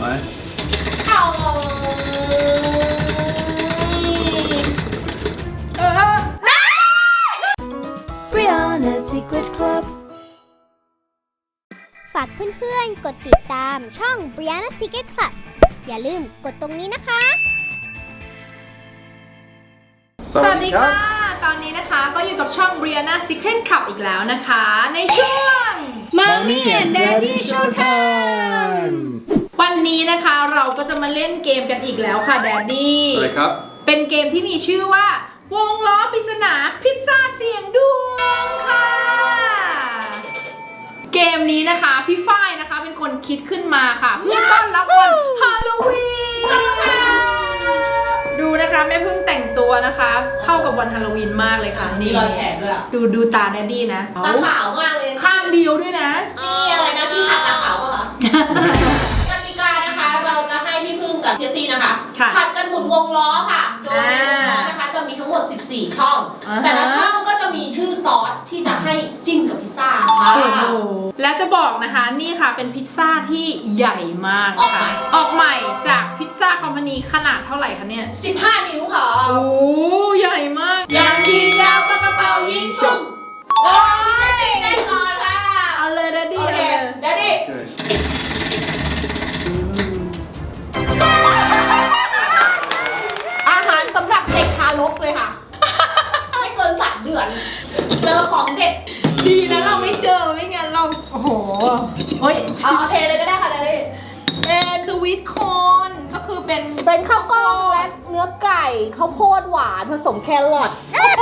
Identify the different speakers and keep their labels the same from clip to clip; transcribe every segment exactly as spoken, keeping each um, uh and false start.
Speaker 1: ไหม
Speaker 2: เอา
Speaker 3: Brianna Secret Club
Speaker 4: ฝากเพื่อนๆกดติดตามช่อง Brianna Secret Club อย่าลืมกดตรงนี้นะคะ
Speaker 2: สวัสดีค่ะตอนนี้นะคะก็อยู่กับช่อง Brianna Secret Club อีกแล้วนะคะในช่วง Mommy and Daddy Showtime วันนี้นะคะเราก็จะมาเล่นเกมกันอีกแล้วค่ะ Daddy
Speaker 1: อะไรครับ
Speaker 2: เป็นเกมที่มีชื่อว่าวงล้อปริศนาพิซซ่าเสียงดวงค่ะเกมนี้นะคะพี่ฝ้ายนะคะเป็นคนคิดขึ้นมาค่ะเพื่อต้อนรับวันฮาโลวีนดูนะคะแม่พึ่งแต่งตัวนะคะเข้ากับวันฮาโลวีนมากเลยค่ะนี่
Speaker 5: รอยแผลด้วย
Speaker 2: ดูดูตาแดดดี้นะ
Speaker 5: ตาขาวมากเลย
Speaker 2: ข้างเดียวด้วยนะ
Speaker 5: นี่อะไรนะที่ขัดตาขาวป่ะคะกติกานะคะเราจะให้พี่พึ่งกับเจสซี่นะคะผัดกันหมุนวงล้อค่ะโดยในวงล้อนะคะจะมีทั้งหมดสิบสี่ช่องแต่ละช่องก็จะมีชื่อซอสที่จะให้จิ้มกับพิซซ่าค่ะ
Speaker 2: และจะบอกนะคะนี่ค่ะเป็นพิซซ่าที่ใหญ่มากค่ะออกใหม่จากพิซซ่าคอมพานีขนาดเท่าไหร่คะเนี่ย
Speaker 5: สิบห้านิ้วค่ะ
Speaker 2: โอ้ใหญ่มาก
Speaker 5: ยางยิงยาวปากกระเป๋ายิงชุ่มโอ้ยได้ก่อนค่ะ
Speaker 2: เอาเลยดัดดี้เลย
Speaker 5: ดัดดี้อาหารสำหรับเด็กทารกเลยค่ะไม่เกินสามเดือนเจอของเด็ด
Speaker 2: ดีนะเราไม่เจอไม่งั้นเราโอ้โหโอ้ย
Speaker 5: เอาเทเลยก็ได้ค่ะดัดดี้
Speaker 2: เป็นสวีทคอนก็คือเป็น
Speaker 5: เป็นข้าวกล้องและเนื้อไก่ข้าวโพดหวานผสมแครอท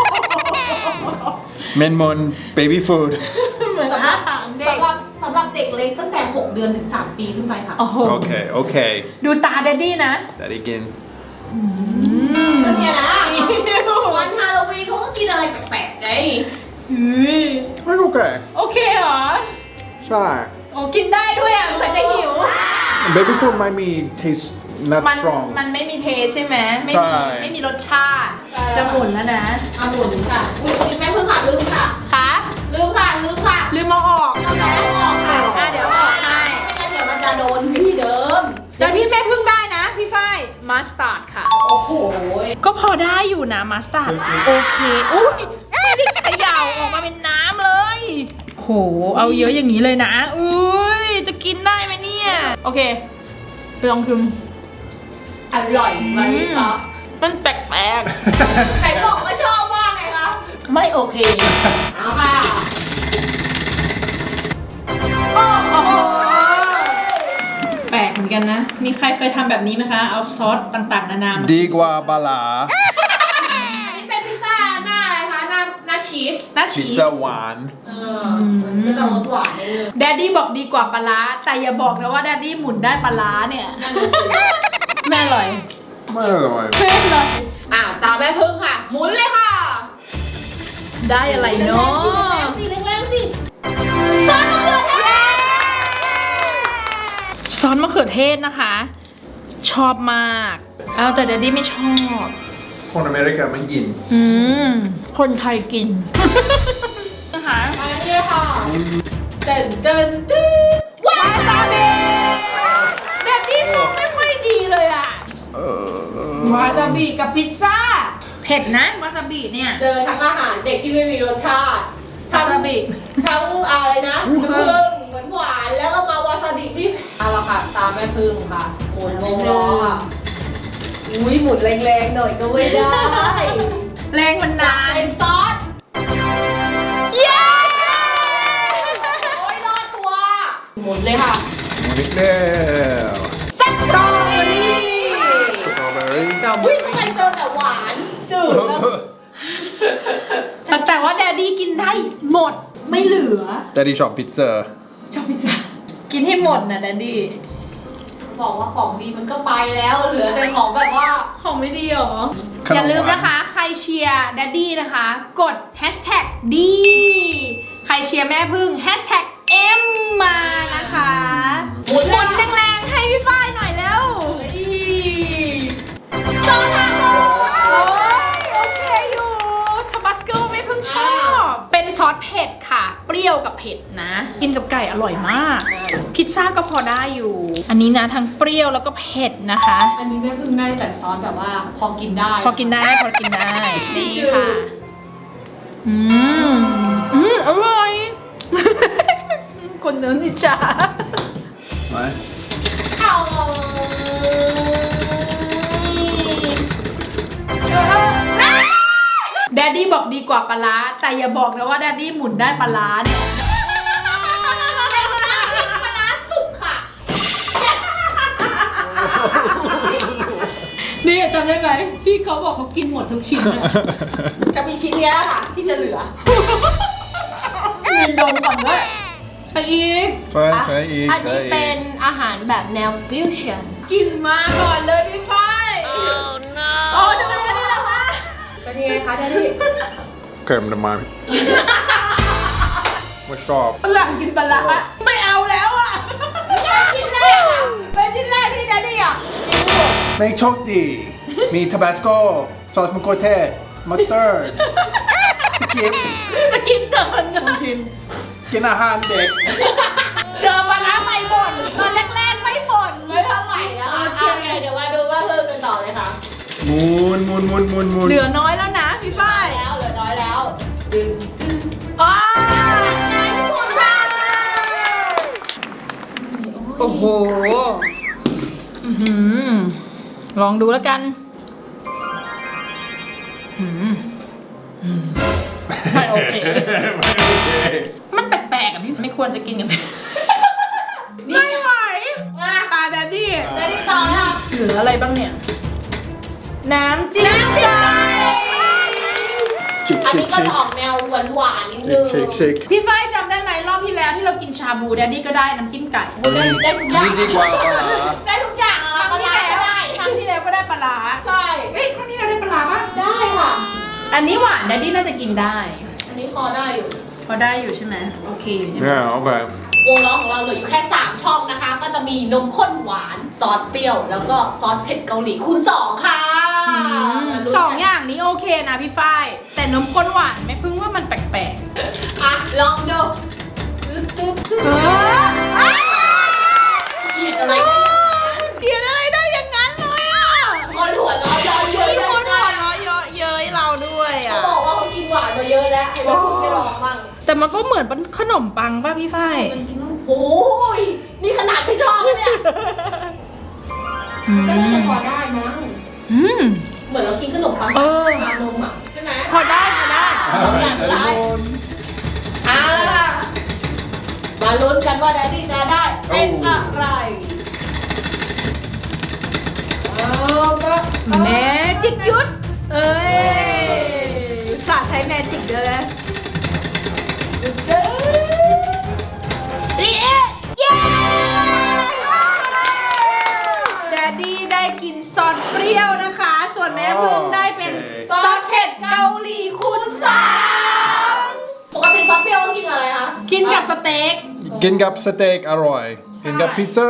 Speaker 1: เมนมอนเบบี้ฟู้ด
Speaker 5: สำหรับสำหรับสำหรับเด็กเล็กตั้งแต่หกเดือนถึงสามปีขึ้นไปค่ะ
Speaker 1: โอเคโอเค
Speaker 2: ดูตาแดดดี้นะ
Speaker 1: แดดดี้กิน
Speaker 5: ก็เนี่ยนะวันฮาโลวีนเขาก็กินอะไรแปลกๆไง
Speaker 1: ไม่โอเค
Speaker 2: โอเคเหรอ
Speaker 1: ใช่
Speaker 2: โอ้กินได้ด้วยอ่ะใส่ใจหิว
Speaker 1: baby food ไม่มี taste not
Speaker 2: มัน
Speaker 1: strong
Speaker 2: มันไม่มีเทสใช่ไหมไม่มีไม่มีรสชาติจะหมุนแล้วนะ
Speaker 5: อ่ะหมุนค่ะอุ้ยแม่เพิ่งผ่านลืมค่ะ
Speaker 2: ค่ะ
Speaker 5: ลืมค่ะลืมค่ะ
Speaker 2: ลืมมาออก
Speaker 5: เอาออกค่ะ
Speaker 2: อ่ะเดี๋ยวออกให้
Speaker 5: ไม่งั้นเดี๋ยวมันจะโดนที่เดิม
Speaker 2: เดี๋ยวที่แม่เพิ่งได้นะพี่ฝ้ายมัสตาร์ดค่ะ
Speaker 5: โอ้โห
Speaker 2: ก็พอได้อยู่นะมัสตาร์ดโอเคอุ้ยไม่ได้เขย่าออกมาเป็นน้ำเลยโหเอาเยอะอย่างนี้เลยนะอุ้ยจะกินได้ไหมเนี่ยโอเคไปลองชิม
Speaker 5: อร่อยไหมคะ
Speaker 2: มันแปลก
Speaker 5: ๆใครบอกว่าชอบมากไงคะ
Speaker 2: ไม่โอเค
Speaker 5: เอาค่ะ
Speaker 2: โอ้โหแปลกเหมือนกันนะมีใครเคยทำแบบนี้ไหมคะเอาซอสต่างๆนานา
Speaker 1: ดีกว่าบาลา
Speaker 5: อันนี้เป็นพิซซ่าหน้าอะไรคะหน้าหน้าชีส
Speaker 2: หน้าชีส
Speaker 1: พิซซ่าหวาน
Speaker 5: เออก็จะรสหวานเลย
Speaker 2: แดดดี้บอกดีกว่าปลาร้าแต่อย่าบอกนะว่าแดดดี้หมุนได้ปลาร้าเนี่ยแม่อร่อย
Speaker 1: ไม่อร่อย
Speaker 2: ไม่อร่อย
Speaker 5: อ่ะตาแม่พึ่งค่ะหมุนเลยค่ะ
Speaker 2: ได้อะไรเนาะ
Speaker 5: สิแรงๆสิ
Speaker 2: ซอสมะเขือเทศซอสมะเขือเทศนะคะชอบมากเอาแต่แดดดี้ไม่ชอบ
Speaker 1: คนอเมริกาไม่กิน
Speaker 2: อืมคนไทยกินนะคะ
Speaker 5: อันนี้ค่ะเดินเดินตึ๊ด
Speaker 2: วาซาบิแดดดี้ชอบไม่ค่อยดีเลยอ่ะวาซาบิกับพิซซ่าเผ็ดนะวาซาบิเนี่ย
Speaker 5: เจอทั้งอาหารเด็กที่ไม่มีรสชาติ
Speaker 2: วาซาบิ
Speaker 5: ทั้งอะไรนะพึ่งเหมือนหวานแล้วก็มาวาซาบิที่เอาละค่ะตามแม่พึ่งค่ะหมุนวงล้อค่ะอุ้ยหมุนแรงๆหน่อยก็ไม่ได้
Speaker 2: แรงมันนาน
Speaker 5: เป็นซอส
Speaker 2: เย้
Speaker 5: โอ้ยรอดตัวหมุนเลยค่ะ
Speaker 1: หมุนอีกแล้ว
Speaker 2: สตรอเบอรี่
Speaker 1: สตรอเบอรี่
Speaker 5: สตรอเบอรี่ทำไมเจอแต่หวานจืด
Speaker 2: แล้วแต่ว่าแดดดี้กินได้หมดไม่เหลือ
Speaker 1: แดดดี้ชอบพิซซ่า
Speaker 2: ชอบพิซซ่ากินให้หมดนะแดดดี้
Speaker 5: บอกว่าของดีมันก็ไปแล้วเหลือแต่ของแบบว่า
Speaker 2: ของไม่ดีหรออย่าลืมนะคะใครเชียร์แดดดี้นะคะกดแฮชแท็กดีใครเชียร์แม่พึ่งแฮชแท็กเอ็มมานะคะหมุนแรงๆให้พี่ฝ้ายหน่อยแล้วซอสทาโก้โอ้ยโอเคอยู่ทาบาสโกไม่เพิ่งชอบเป็นซอสเผ็ดค่ะเปรี้ยวกับเผ็ดนะกินกับไก่อร่อยมากพิซซ่าก็พออได้อยู่ อันนี้นะทั้งเปรี้ยวแล้วก็เผ็ดนะคะ
Speaker 5: อันนี้แม่พึ่งได้แต่ซอสแบบว่าพอกินได้
Speaker 2: พอกินได้พอกินได้นี่ค่ะ อืมอืมอร่อย คนเนื้อนิจา
Speaker 1: ไหม
Speaker 5: เอา
Speaker 2: แดดดี้บอกดีกว่าปลาร้าแต่อย่าบอกนะว่าแดดดี้หมุนได้ปลาร้าเนี่ย
Speaker 5: ปลาร้าสุกค่ะ
Speaker 2: นี่จำได้ไหมที่เขาบอกเขากินหมดทุกชิ้นอะ
Speaker 5: จะมีชิ้นเนี้ยค่ะที่จะเหลือ
Speaker 2: มีดมก่อนด้วยไปอีก
Speaker 1: ใช่ใช่อีก
Speaker 5: อัน
Speaker 1: ใช่
Speaker 5: นี้
Speaker 1: อี
Speaker 5: เป็
Speaker 1: ก
Speaker 5: นอาหารแบบแนวฟิวชั่น
Speaker 2: กินมาก่อนเลยพี่ฝ้ายโอ้ทำไมไม่ได้แล้ววะ
Speaker 5: เป็นยังไงคะแดดดี้
Speaker 1: เค็มทำไมไม่ชอบ
Speaker 2: ฝรั่งกินปลาร้าไม่เอาแล้วอ่ะ
Speaker 5: ชิ้นแรกอ่ะเป็นชิ้นแรกที่แดดดี้อ่ะ
Speaker 1: ไม่โชคดี มีทาบาสโกซอสมะเขือเทศมัสตาร์ดสกิป
Speaker 2: จะกินเกิน
Speaker 1: ต้องกิน กินอาหารเด็ก
Speaker 2: เจอปลาร้าไม่บ่นตอนแรกๆไม่บ่น
Speaker 5: ไม่เท่าไหร่แล้วค่ะโอเคเดี๋ยวมาดูว่าเพิ่มกันต่อเลยค่ะ
Speaker 1: หมุนหมุนหมุนหมุนหมุน
Speaker 2: เหลือน้อยแล้วนะพี่ฝ้าย
Speaker 5: แล้วเหลือน้อยแล้วดึง
Speaker 2: อ้า
Speaker 5: ได้ทุกคนค่ะ
Speaker 2: โอ้โหอื้อหือลองดูแล้วกันอื้อหืออืมไม่โอเค
Speaker 1: ไม่โอเค
Speaker 2: มันแปลกๆอ่ะพี่ไม่ควรจะกินกันไม่ไหว
Speaker 5: อ่ะ
Speaker 2: ตาแดดดี้
Speaker 5: แดดดี้ต่อแล้วค่ะ
Speaker 2: เหลืออะไรบ้างเนี่ย น้ำจิ้มไก่
Speaker 1: ชิค
Speaker 5: อัน
Speaker 1: ชิค
Speaker 5: นี้ก็
Speaker 1: ชิค
Speaker 5: จะออกแนวหวานๆนิดนึง
Speaker 1: ชิคชิค
Speaker 2: พี่ฝ้ายจำได้ไหมรอบที่แล้วที่เรากินชาบูแดดดี้ก็ได้น้ำจิ้มไก่
Speaker 5: ได้ได้ทุกอย่าง
Speaker 1: นี่ดีกว่าปลาร้า
Speaker 5: ได้ทุกอย่างอ่ะปลาร้าก็ได้
Speaker 2: ครั้งที่แล้วก็ได้ปลาร้า
Speaker 5: ใช่
Speaker 2: เฮ้ยครั้งนี้เราได้ปลาร้าปะ
Speaker 5: ได้ค่ะ
Speaker 2: อันนี้หวานแดดดี้น่าจะกินได้
Speaker 5: อันนี้พอได้อยู่
Speaker 2: พอได้อยู่ใช่ไหมโอเคอยู่ใช่ไหม
Speaker 1: เนี่ยโอเคว
Speaker 5: งล้อของเราเหลืออยู่แค่สามช่องนะคะ ก็จะมีนมข้นหวานซอสเปรี้ยว แล้วก็ซอสเผ็ดเกาหลีคูณสองค่ะ
Speaker 2: อืมสองอย่างนี้โอเคนะพี่ฝ้าย แต่นมข้นหวานไม่พึ่งว่ามันแปลก
Speaker 5: อ่ะลองดูตึ๊บตึ๊บตึ๊บ
Speaker 2: ๆเออ
Speaker 5: เกลียดอะไรกัน
Speaker 2: เกลียดอะไรได้อย่างนั้นเลยอ่ะ
Speaker 5: คนหัวเร้อนย้อนเยอะ
Speaker 2: มี
Speaker 5: เลย
Speaker 2: คนหั
Speaker 5: ค่ะ
Speaker 2: วเราะเยอะเย้ยเราด้วย
Speaker 5: เขา
Speaker 2: อ่ะ
Speaker 5: บอกว่าเขากินหวานมาเยอะแล้วไอ้แม่พึ่งไม่ลองบ้าง
Speaker 2: แต่มันก็เหมือนเป็นขนมปังป่ะพี่ฝ้าย
Speaker 5: โอ้ยนี่ขนาดไม่ชอบเลยเนี่ย
Speaker 2: อื
Speaker 5: ก็น่าจะ
Speaker 2: ม
Speaker 5: พอได้มั้ง
Speaker 2: อืม
Speaker 5: เหมือนเรากินขนมปัง
Speaker 2: เออ
Speaker 5: ทานมอ่ะใช่ไหม
Speaker 2: พอได้พอได้
Speaker 5: สองอย่างสุดท้ายเอาล่ะมาลุ้นกันว่าแดดดี้จะได้เป็นอะไรเอาก็
Speaker 2: แมจิกยุทธเอ้ยสาใช้แมจิกด้วยนะเย้เย้แดดดี้ได้กินซอสเปรี้ยวนะคะ ส่วนแม่พึ่งได้เป็นซอสเผ็ดเกาหลีคูณสาม
Speaker 5: ปกติซอสเปรี้ยวต้องกินกับอะไรคะ
Speaker 2: กินกับสเต็ก
Speaker 1: กินกับสเต็กอร่อย กินกับพิซซ่า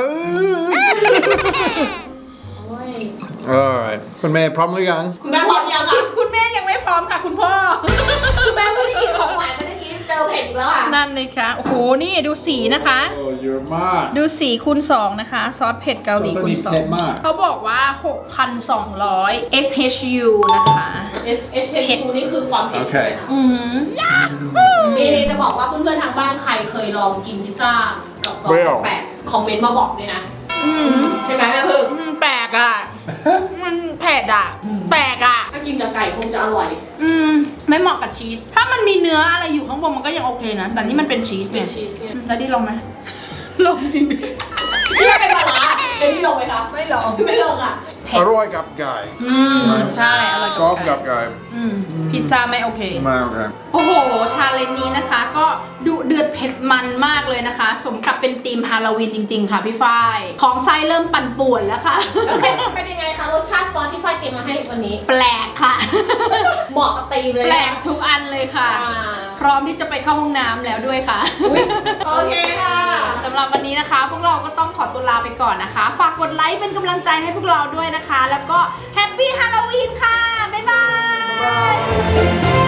Speaker 5: โอ้ย
Speaker 1: อร่อยคุณเมย์พร้อมหรือยัง
Speaker 5: คุณแม่พร้อมยัง
Speaker 2: คุ
Speaker 5: คะ
Speaker 2: ณคุณแม่ยังไม่พร้อมค่ะคุณพ่อ
Speaker 5: คุณแม่ไม่ได้กินของหวานไม่ได้กินเจอเผ็ดอีกแล้วอ่ะ
Speaker 2: นั่นเลยค่ะ โอ้โห นี่ดูสีนะคะ
Speaker 1: โอ้เยอะมาก
Speaker 2: ดูสีคูณสองนะคะ ซอสเผ็ดเกาหลีคูณสอ
Speaker 1: ซอสนี้เผ็
Speaker 2: ง
Speaker 1: ดมาก
Speaker 2: เขาบอกว่า หกพันสองร้อย เอส เอช ยู นะคะ
Speaker 5: เอสเอชเอนี่คือความเผ็ดใช่ไหมคะ
Speaker 2: อืม
Speaker 5: นี่จะบอกว่าเพื่อนๆทางบ้านใครเคยลองกินพิซซ่ากับซอสแปลกๆคอมเมนต์มาบอกเลยนะ
Speaker 2: อืม
Speaker 5: ใช่ไหมแม่พึ่ง
Speaker 2: อืมแปลกอ่ะ มันเผ็ดอ่ะ
Speaker 5: อืม
Speaker 2: แปลกอ่ะ
Speaker 5: ถ้ากินกับไก่คงจะอร่อย
Speaker 2: อืม ไม่เหมาะกับชีส ถ้ามันมีเนื้ออะไรอยู่ข้างบนมันก็ยังโอเคนะ แต่นี่มันเป็นชีส
Speaker 5: เป็
Speaker 2: เนี่
Speaker 5: น
Speaker 2: ย
Speaker 5: ชีสเนี่ย
Speaker 2: แล้วดิลองไหม ลองจริงดิ
Speaker 5: นี่เป็นปลาร้าเอ็นที่ลงไหมคะไม่ลงไม่ลงอ่ะ
Speaker 1: อร่อยกับไก่
Speaker 2: อืม ใช่อร่อย
Speaker 1: ชอบ
Speaker 2: กั
Speaker 1: กั
Speaker 2: บบ ไก่
Speaker 1: ไก่
Speaker 2: อืม พิซซ่าไม่โอเค
Speaker 1: มากครับ
Speaker 2: โอ้โห ชาเลนจ์นี้นะคะ ก็ดุเดือดเผ็ดมันมากเลยนะคะ สมกับเป็นธีมฮาโลวีนจริงๆ ค่ะพี่ฝ้าย ของไส้เริ่มปั่นป่วนแล้วค่ะ
Speaker 5: แล้วเป็นเป็นยังไงคะรสชาติซอสที่ฝ้ายเตรียมมาให้วันนี้
Speaker 2: แปลกค่ะ
Speaker 5: เหมาะกับตีมเลย
Speaker 2: แปลกทุกอันเลยค่ะ
Speaker 5: อ่า
Speaker 2: พร้อมที่จะไปเข้าห้องน้ำแล้วด้วยค่ะ
Speaker 5: โอเคค่ะ
Speaker 2: สำหรับวันนี้นะคะ พวกเราก็ต้องขอตัวลาไปก่อนนะคะ ฝากกดไลค์เป็นกำลังใจให้พวกเราด้วยนะคะ แล้วก็แฮปปี้ฮาโลวีนค่ะ บ๊ายบาย